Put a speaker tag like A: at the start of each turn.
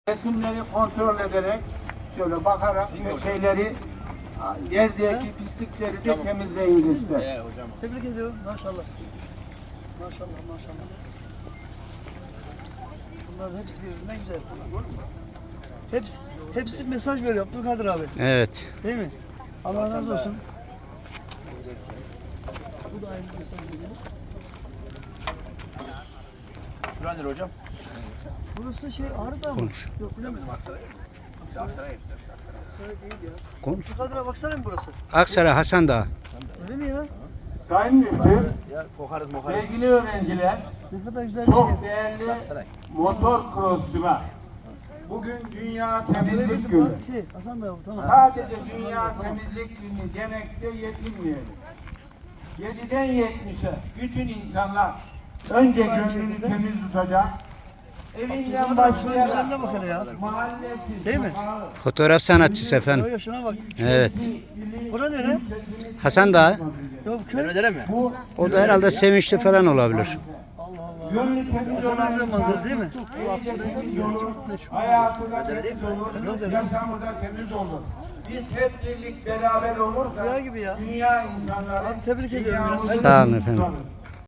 A: Resimleri kontrol ederek şöyle bakarak şeyleri yerdeki pislikleri de temizleyin gençler.
B: Hocam.
C: Tebrik ediyorum. Maşallah. Maşallah maşallah. Bunların hepsi birbirinden güzel. Hepsi mesaj veriyor Abdülkadir abi.
D: Evet.
C: Değil mi? Allah razı olsun. Bu da aynı mesaj veriyor.
B: Şuradır hocam.
C: Burası şey Ağrı'da mı?
D: Konuş.
C: Yok bilemedim.
B: Aksaray hepsi.
C: Abdülkadir değil ya.
D: Konuş.
C: Abdülkadir'e baksana mı burası?
D: Aksaray Hasan Dağı.
C: Öyle mi ya?
A: Sayın Müftü,
B: Ya kokarız mokarız.
A: sevgili öğrenciler,
C: Ne kadar güzel bir
A: çok
C: yer.
A: değerli
B: Aksaray.
A: motor crossçular. Bugün Dünya Temizlik Günü.
C: Hasan da tamam.
A: Sadece Dünya Temizlik Günü demekte yetinmeyelim. 7'den 70'e bütün insanlar önce gönlünü temiz tutacak, evinden başlayarak
C: Güzelliğe bak hele ya.
A: mahallesi,
C: Değil mi?
A: sokağı,
D: Fotoğraf sanatçısı efendim.
C: Yo, şuna bak.
D: Evet.
A: ili,
C: Bura nere?
A: ilçesini
D: Hasan Dağı.
C: Yok köy.
B: Ödere mi?
A: Bu
D: O da herhalde Sevinçli falan olabilir.
C: Allah Allah.
A: gönlü temiz olan
C: Hasan manzara
A: insan
C: değil mi?
A: evi de temiz olur, hayatı da temiz olur, yaşamı da temiz olur. Biz hep birlik beraber olursak
C: Rüya gibi ya.
A: dünya insanları
C: Abi tebrik ediyorum ya.
A: dünyamızı
D: Sağ olun efendim.
A: tutarız.